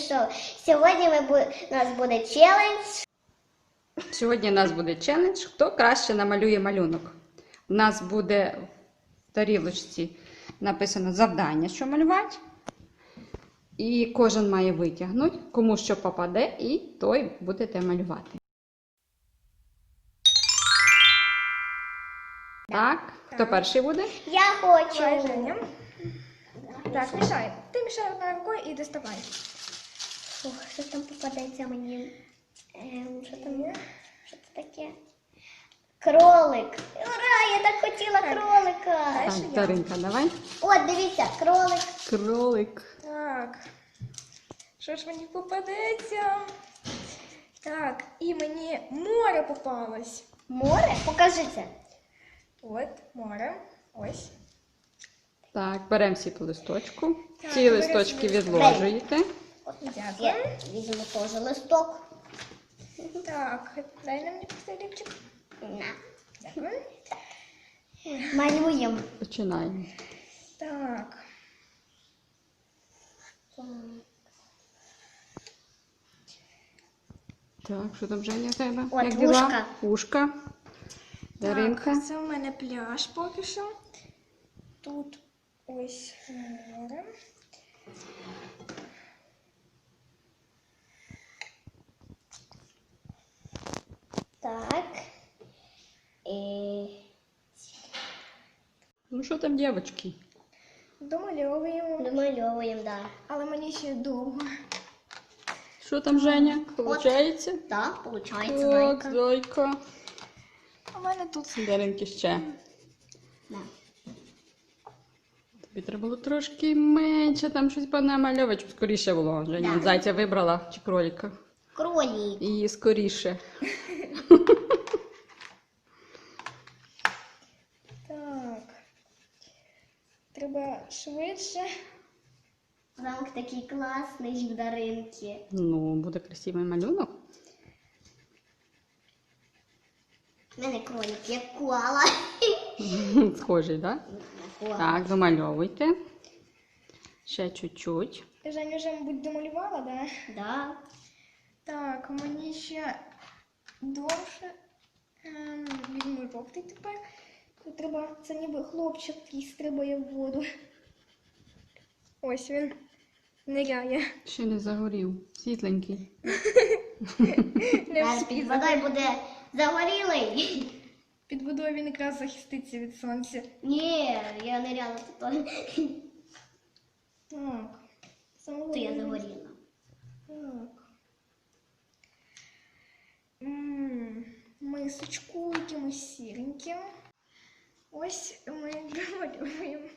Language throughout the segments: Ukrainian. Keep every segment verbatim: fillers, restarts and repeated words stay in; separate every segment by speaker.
Speaker 1: що сьогодні ми бу... у нас буде челендж.
Speaker 2: Сьогодні у нас буде челендж, хто краще намалює малюнок. У нас буде в тарілочці написано завдання, що малювати. І кожен має витягнути, кому що попаде, і той будете малювати. Так, хто перший буде?
Speaker 1: Я хочу.
Speaker 3: Давай, Женя. Так, мішай. Ти мішай одною рукою і доставай.
Speaker 1: Фух, що там попадеться мені? Ем, що там? Що це таке? Кролик. Ура, я так хотіла кролика.
Speaker 3: Дальше
Speaker 2: Так,
Speaker 3: я.
Speaker 2: Даринка, давай.
Speaker 1: От, дивіться, кролик.
Speaker 2: Кролик.
Speaker 3: Так. Що ж мені попадеться? Так, і мені море попалось.
Speaker 1: Море? Покажи це.
Speaker 3: От, море. Ось.
Speaker 2: Так, беремо всі по листочку.
Speaker 3: Так,
Speaker 2: Ці
Speaker 3: беремо
Speaker 2: листочки
Speaker 3: всі
Speaker 2: відложуєте.
Speaker 1: От,
Speaker 3: Дякую.
Speaker 1: я візьму теж листок.
Speaker 3: Так, дай нам мені пістолетчик.
Speaker 1: На.
Speaker 3: Дякую.
Speaker 1: Малюємо.
Speaker 2: Починаємо.
Speaker 3: Так.
Speaker 2: Так, що там, Женя, в тебе?
Speaker 1: От,
Speaker 2: Як діла?
Speaker 1: вушка.
Speaker 2: Вушка. Даринка.
Speaker 3: Так, це в мене пляж поки що. Тут ось море.
Speaker 1: Так. І...
Speaker 2: Ну що там, дівчатки?
Speaker 3: Домальовуємо.
Speaker 1: Домальовуємо, да.
Speaker 3: Але мені ще довго.
Speaker 2: Що там, Женя? Получається?
Speaker 1: Так, виходить,
Speaker 2: Так,
Speaker 1: зайка.
Speaker 2: зайка.
Speaker 3: У мене тут.
Speaker 2: Даринки ще.
Speaker 1: Да.
Speaker 2: Тобі треба було трошки менше, там щось понамальовувати, щоб скоріше було. Женя,
Speaker 1: Да.
Speaker 2: зайця вибрала чи кролика.
Speaker 1: Кролик.
Speaker 2: І скоріше.
Speaker 3: Так. Треба швидше.
Speaker 1: Замок такий класний в Даринки.
Speaker 2: Ну, буде красивий малюнок.
Speaker 1: У мене кролик як коала.
Speaker 2: Схожий, так?
Speaker 1: Коала.
Speaker 2: Так, домальовуйте. Ще чуть-чуть.
Speaker 3: Женя вже, мабуть, домалювала, да?
Speaker 1: Да.
Speaker 3: Так, мені ще довше. Ем, візьму жовтий тепер. Тут треба, це ніби хлопчик, який стрибає в воду. Ось він ниряє.
Speaker 2: Ще не загорів. Світленький.
Speaker 3: Не
Speaker 1: Зараз
Speaker 3: встиг.
Speaker 1: під водою буде загорілий.
Speaker 3: Під водою він якраз захиститься від сонця.
Speaker 1: Ні, я ниряла тут.
Speaker 3: Так.
Speaker 1: То я загоріла.
Speaker 3: Так. М, Мисочку якимось сіреньким. Ось ми домалюємо.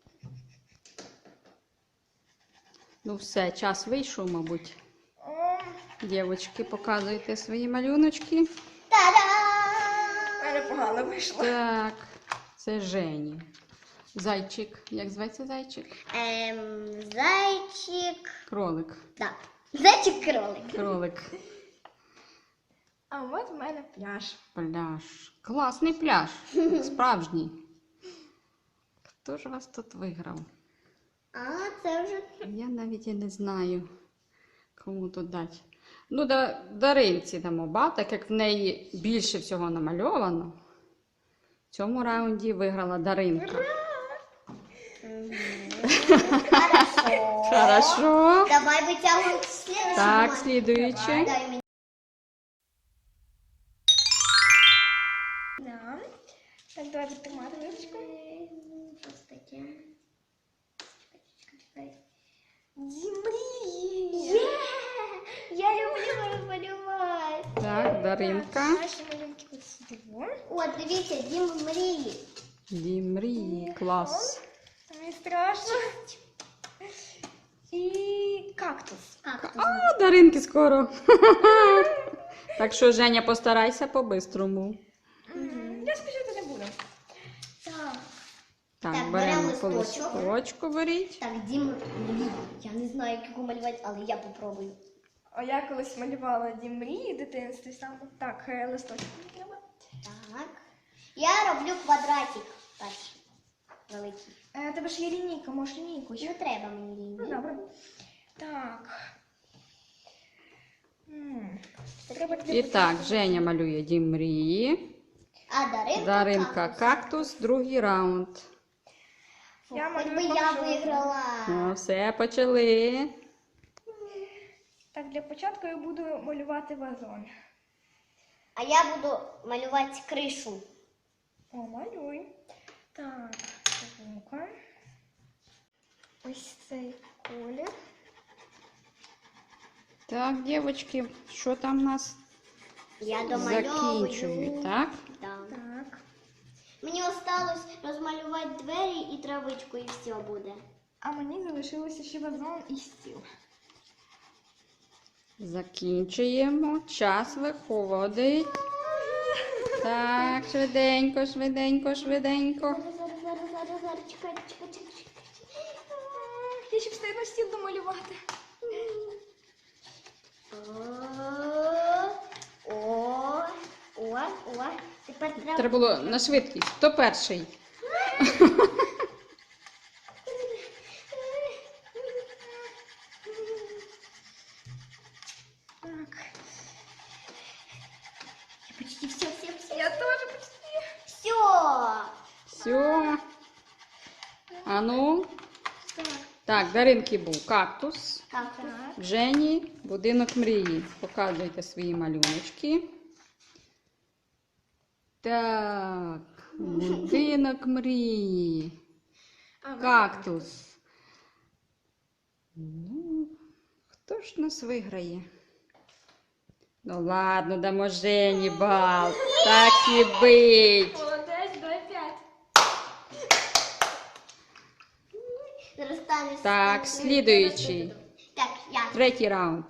Speaker 2: Ну все, час вийшов, мабуть.
Speaker 3: О,
Speaker 2: Дівчатки, показуйте свої малюночки.
Speaker 1: Та-дам!
Speaker 3: в мене погано вийшло.
Speaker 2: Так, це Жені. Зайчик. Як зветься зайчик?
Speaker 1: Ем, зайчик.
Speaker 2: Кролик.
Speaker 1: Так. Зайчик-кролик.
Speaker 2: Кролик.
Speaker 3: А от в мене пляж.
Speaker 2: Пляж. Класний пляж. Справжній. Хто ж вас тут виграв?
Speaker 1: А, це вже.
Speaker 2: Я навіть і не знаю, кому тут дати. Ну, да, Даринці дамо бал, так як в неї більше всього намальовано. В цьому раунді виграла Даринка.
Speaker 1: Хорошо.
Speaker 2: Хорошо.
Speaker 1: Давай витягуємо слідчий.
Speaker 2: Так, слідуючий.
Speaker 1: Дай мені.
Speaker 3: Да. Так, давайте тримати ручку.
Speaker 1: Що це таке? Чекай, чекай, чекай.
Speaker 3: Дімрії!
Speaker 1: Є! Я люблю малювати.
Speaker 2: Так, Даринка.
Speaker 3: Наші малюнки ось сюди.
Speaker 1: От, дивіться, дім мрії.
Speaker 2: Дім мрії. Клас.
Speaker 3: Мені страшно. І кактус.
Speaker 1: Кактус.
Speaker 2: А, Даринки скоро. Так що, Женя, постарайся по-бистрому.
Speaker 3: М, Я спішити не буду. Так.
Speaker 2: Так,
Speaker 1: Так,
Speaker 2: беремо
Speaker 1: беремо
Speaker 2: по
Speaker 1: листочок.
Speaker 2: листочку, беріть.
Speaker 1: Так, дім мрії. Я не знаю, як його малювати, але я попробую.
Speaker 3: А я колись малювала дім мрії в дитинстві саме. Так, е, листочок мені треба.
Speaker 1: Так. Я роблю квадратик перший. Великий.
Speaker 3: Е, тебе ж є лінійка, можеш лінійку ще.
Speaker 1: Не треба мені
Speaker 3: Ну,
Speaker 1: лінії.
Speaker 3: добре. Так. М, Треба
Speaker 2: І так, Женя малює дім мрії.
Speaker 1: А Даринка,
Speaker 2: Даринка
Speaker 1: кактус.
Speaker 2: кактус, другий раунд.
Speaker 3: Я
Speaker 1: Хоч би
Speaker 3: малюю
Speaker 1: я
Speaker 3: поки що.
Speaker 1: виграла.
Speaker 2: Ну, все, почали.
Speaker 3: Так, для початку я буду малювати вазон.
Speaker 1: А я буду малювати кришу.
Speaker 3: О, малюй. Так, ну-ка. Ось цей колір.
Speaker 2: Так, дівчатки, що там у нас?
Speaker 1: Я домальовую.
Speaker 2: Закінчують, так?
Speaker 1: Да.
Speaker 3: Так.
Speaker 1: Мені осталось розмалювати двері і травичку, і все буде.
Speaker 3: А мені залишилося ще вазон і стіл.
Speaker 2: Закінчуємо. Час виходить. Так, швиденько, швиденько, швиденько.
Speaker 1: Зараз, зараз, зараз, зараз, зараз, чекай, чекай, чекай, чекай.
Speaker 3: Я ще встигну стіл домалювати.
Speaker 1: О, о, о, о. Тепер треба.
Speaker 2: Треба було на швидкість. Хто перший?
Speaker 3: Так.
Speaker 1: Я почти все, все, все.
Speaker 3: Я теж почти.
Speaker 1: Все.
Speaker 2: Все. А ну.
Speaker 3: Так.
Speaker 2: Так, Даринки був кактус.
Speaker 1: Так,
Speaker 3: Так.
Speaker 2: В Жені будинок мрії. Показуйте свої малюночки. Так, будинок мрії.
Speaker 3: А, ну,
Speaker 2: Кактус. Ну, хто ж нас виграє? Ну ладно, дамо Жені бал. Так і бить.
Speaker 3: Молодець, дай п'ять.
Speaker 1: зараз станеш.
Speaker 2: Так,
Speaker 1: станеш-
Speaker 2: слідуючий.
Speaker 1: Так, я.
Speaker 2: Третій раунд.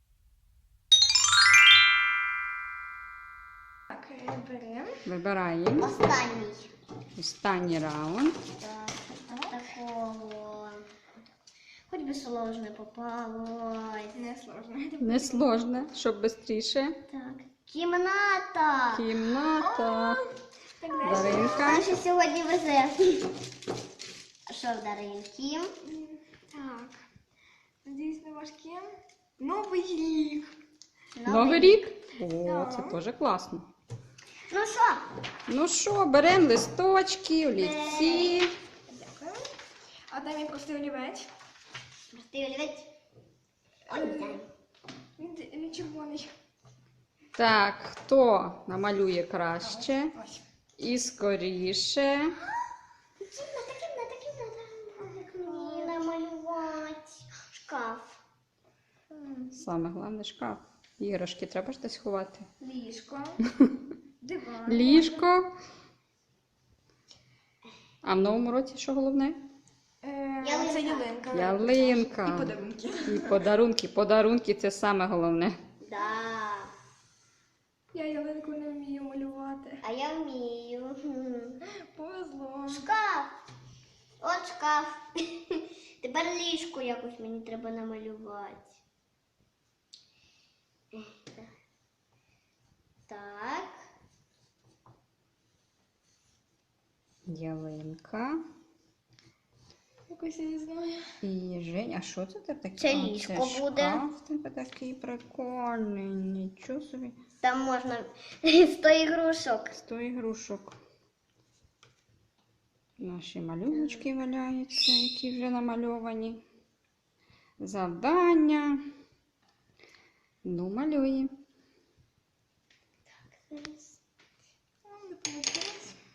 Speaker 3: Так, е, беремо.
Speaker 2: Вибираємо.
Speaker 1: Останній.
Speaker 2: Останній раунд.
Speaker 1: Так, такого. Хоч би сложно попалось.
Speaker 3: Не сложно.
Speaker 2: Не сложно, щоб швидше.
Speaker 1: Так. Кімната.
Speaker 2: Кімната.
Speaker 3: Так, далі.
Speaker 2: Даринка.
Speaker 1: Наша сьогодні везе. А що в Даринки?
Speaker 3: М, Так. Надіюсь, не важке. Новий рік.
Speaker 2: Новий рік? О,
Speaker 3: Так.
Speaker 2: це теж класно.
Speaker 1: Ну що?
Speaker 2: Ну що, беремо листочки, олівці.
Speaker 3: Дякую. А дай мені простий олівець.
Speaker 1: Простий олівець. Ой, дай.
Speaker 3: Він, він червоний.
Speaker 2: Так, хто намалює краще
Speaker 3: Ось.
Speaker 2: і скоріше?
Speaker 1: Кімната, кімната, кімната. Як мені намалювати? Шкаф.
Speaker 3: М,
Speaker 2: Саме головне шкаф. Іграшки треба ж десь ховати.
Speaker 3: Ліжко. Диван.
Speaker 2: Ліжко. А в новому році що головне?
Speaker 3: Е,
Speaker 1: Ялинка.
Speaker 3: Це ялинка.
Speaker 2: Ялинка.
Speaker 3: І подарунки.
Speaker 2: І подарунки. Подарунки це саме головне.
Speaker 1: Да.
Speaker 3: Я ялинку не вмію малювати.
Speaker 1: А я вмію. Хм.
Speaker 3: Повезло.
Speaker 1: Шкаф. От шкаф. Тепер ліжко якось мені треба намалювати. Ех, так. Так.
Speaker 2: Ялинка.
Speaker 3: Якось я не знаю.
Speaker 2: І Жень, а що це в тебе таке?
Speaker 1: Це
Speaker 2: А,
Speaker 1: ліжко
Speaker 2: це
Speaker 1: буде.
Speaker 2: Шкаф в тебе такий прикольний. Нічого собі.
Speaker 1: Там можна сто ігрушок.
Speaker 2: Сто ігрушок. Наші малюночки валяються, які вже намальовані. Завдання. Ну, малюємо.
Speaker 3: А, не вийшло.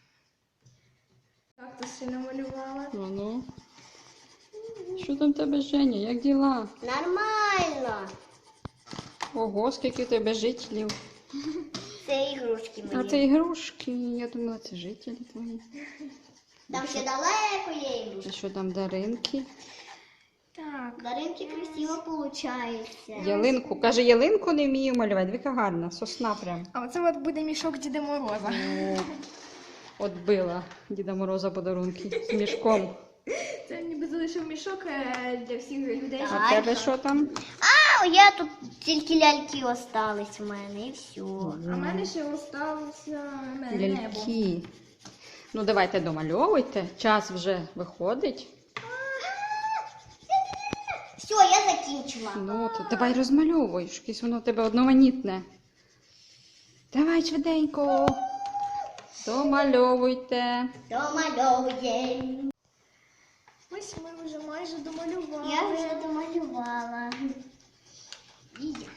Speaker 3: Так, то ще намалювала.
Speaker 2: Ну, ну. Що там в тебе, Женя? Як діла?
Speaker 1: Нормально.
Speaker 2: Ого, скільки в тебе жителів.
Speaker 1: Це ігрушки
Speaker 2: А
Speaker 1: мої.
Speaker 2: це ігрушки. Я думала, це жителі твої.
Speaker 1: Там ще далеко є
Speaker 2: Це
Speaker 1: ігрушки.
Speaker 2: що там, Даринки?
Speaker 3: Так.
Speaker 1: Даринки красиво получається.
Speaker 2: Ялинку. Каже, ялинку не вмію малювати. Віка гарна, сосна прям.
Speaker 3: А оце от буде мішок Діда Мороза.
Speaker 2: О, от била Діда Мороза подарунки з мішком.
Speaker 3: Це ніби залишив мішок е, для всіх людей.
Speaker 1: Так.
Speaker 3: щоб-
Speaker 2: А в тебе що там?
Speaker 1: А, я тут тільки ляльки остались в мене і все.
Speaker 3: А в мене ще залишилося небо.
Speaker 2: Ляльки. Ну, давайте домальовуйте. Час вже виходить.
Speaker 1: Все, я закінчила. закінчила.
Speaker 2: Ну, то давай розмальовуй, якесь воно в тебе одноманітне. Давай швиденько. Домальовуйте.
Speaker 1: Домальовуємо.
Speaker 3: Ось ми вже майже домалювали.
Speaker 1: Я вже домалювала. І я.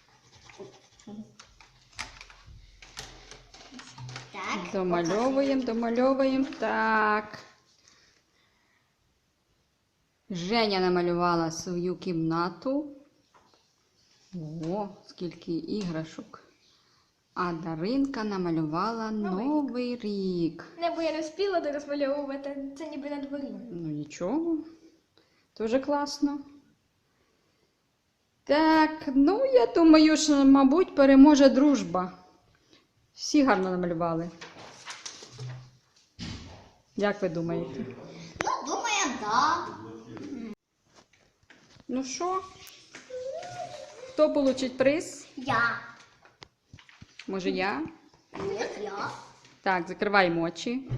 Speaker 1: Так.
Speaker 2: Домальовуємо, домальовуємо. Так. Женя намалювала свою кімнату. О, скільки іграшок. А Даринка намалювала Новий рік.
Speaker 3: Небо я не встигла дорозмальовувати, це ніби на дворі.
Speaker 2: Ну нічого. Дуже класно. Так, ну я думаю, що, мабуть, переможе дружба. Всі гарно намалювали. Як ви думаєте?
Speaker 1: Ну, думаю, да.
Speaker 2: Ну що? Хто получить приз?
Speaker 1: Я.
Speaker 2: Може я?
Speaker 1: Нет, я.
Speaker 2: Так, закриваємо очі.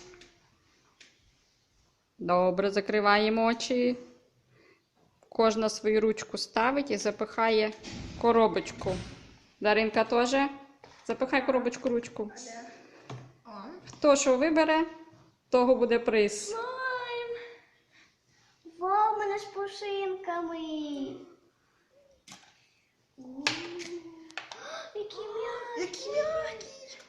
Speaker 2: Добре, закриваємо очі. Кожна свою ручку ставить і запихає коробочку. Даринка теж. Запихай коробочку ручку.
Speaker 3: О.
Speaker 2: Хто що вибере, того буде приз.
Speaker 3: Слайм!
Speaker 1: Вау, мене з пушинками. О, які м'які.
Speaker 3: Які м'які!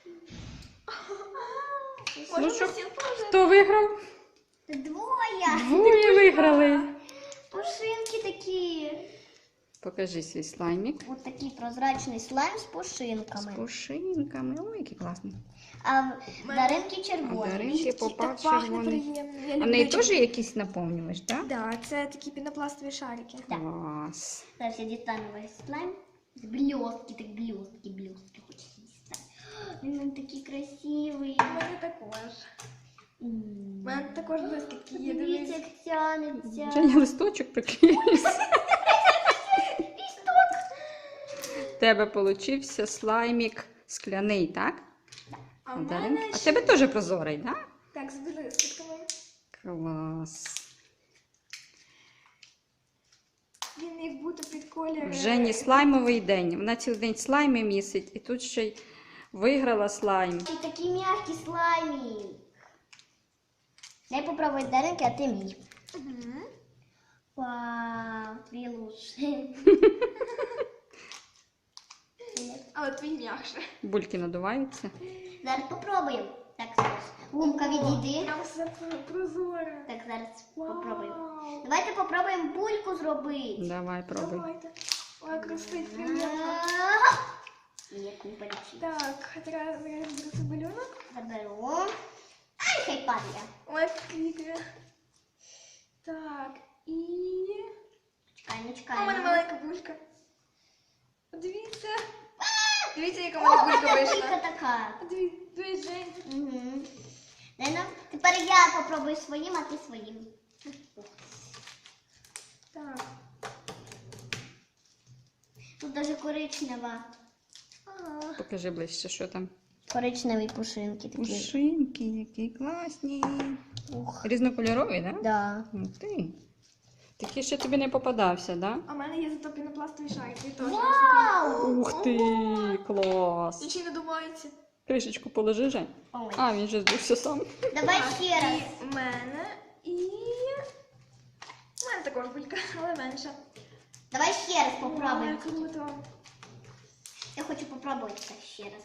Speaker 2: Ну що, хто виграв?
Speaker 1: Двоє.
Speaker 2: Двоє виграли.
Speaker 1: Пушинки такі.
Speaker 2: Покажи свій слаймік.
Speaker 1: Ось такий прозрачний слайм з
Speaker 2: З
Speaker 1: пушинками.
Speaker 2: пушинками. Ой, який класний.
Speaker 1: А в Даринки
Speaker 2: А
Speaker 1: червоні.
Speaker 2: Даринки попав
Speaker 3: Так пахне
Speaker 2: червоний.
Speaker 3: приємно. Я
Speaker 2: А в
Speaker 3: люблю
Speaker 2: неї
Speaker 3: червоний.
Speaker 2: теж якісь наповнювач, так?
Speaker 3: Да, це такі пінопластові шарики.
Speaker 1: Так.
Speaker 2: Клас.
Speaker 1: Зараз я дістану весь слайм. З блістки, так блістки, блістки хочеться дістати. Він він такий красивий.
Speaker 3: У мене також. У
Speaker 1: М.
Speaker 3: мене також блискітки є.
Speaker 1: Дивіться,
Speaker 3: Дивіться.
Speaker 1: як тянеться.
Speaker 2: Женя листочок приклеївся. В тебе получився слаймік скляний, так?
Speaker 3: А
Speaker 2: А
Speaker 3: в
Speaker 2: Даринки?
Speaker 3: мене
Speaker 2: А в
Speaker 3: ще...
Speaker 2: тебе теж прозорий, так?
Speaker 3: Так, з блискітками.
Speaker 2: Клас.
Speaker 3: Він як будто під колір.
Speaker 2: В Жені слаймовий день. Вона цілий день слайми місить і тут ще й виграла слайм.
Speaker 1: І такий м'який слаймік. Дай попробуй Даринки, а ти мій.
Speaker 3: Угу.
Speaker 1: Вау, твій лучший.
Speaker 3: Але твій м'якше.
Speaker 2: Бульки надуваються.
Speaker 1: Зараз попробуємо. Так, зараз. Гумка відійди.
Speaker 3: Там все прозоре.
Speaker 1: Так, зараз попробуємо.
Speaker 3: Вау.
Speaker 1: Давайте попробуємо бульку зробити.
Speaker 2: Давай, пробуй.
Speaker 3: Давайте. Ой, красить приємно.
Speaker 1: Є купочки.
Speaker 3: Так, зараз я розберу цей малюнок.
Speaker 1: Заберу. Ай, хай падає.
Speaker 3: Ой, квіти. Так, і...
Speaker 1: Чекай, не
Speaker 3: А у
Speaker 1: чекай.
Speaker 3: мене маленька булька. Подивіться. Дивіться, яка у мене булька
Speaker 1: Булька
Speaker 3: вийшла.
Speaker 1: така.
Speaker 3: Дивіться, дивіться, Жень.
Speaker 1: Угу. Дай нам. Тепер я попробую своїм, а ти своїм.
Speaker 3: Так.
Speaker 1: Тут даже коричнева.
Speaker 3: Ага.
Speaker 2: Покажи ближче, що там.
Speaker 1: Коричневі пушинки такі.
Speaker 2: Пушинки, які класні.
Speaker 1: Ух.
Speaker 2: Різнокольорові, так?
Speaker 1: Да.
Speaker 2: Ух ти. Такий ще тобі не попадався, так?
Speaker 3: А в мене є зато пінопластові шарики. Теж.
Speaker 1: Вау!
Speaker 2: Ух ти, клас.
Speaker 3: Нічого не думається.
Speaker 2: Кришечку положи, Жень.
Speaker 1: Ой.
Speaker 2: А, він же здувся сам.
Speaker 1: Давай
Speaker 3: Так,
Speaker 1: ще раз.
Speaker 3: І в мене, і... У мене також булька, але менша.
Speaker 1: Давай ще раз попробуємо.
Speaker 3: Ой, круто.
Speaker 1: Я хочу попробувати так ще раз.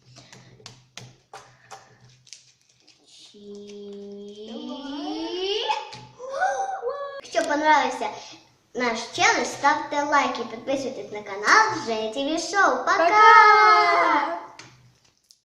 Speaker 1: Чи- Якщо понравився наш челендж, ставте лайки, підписуйтесь на канал Женя ТВ Шоу. Пока!
Speaker 3: Пока!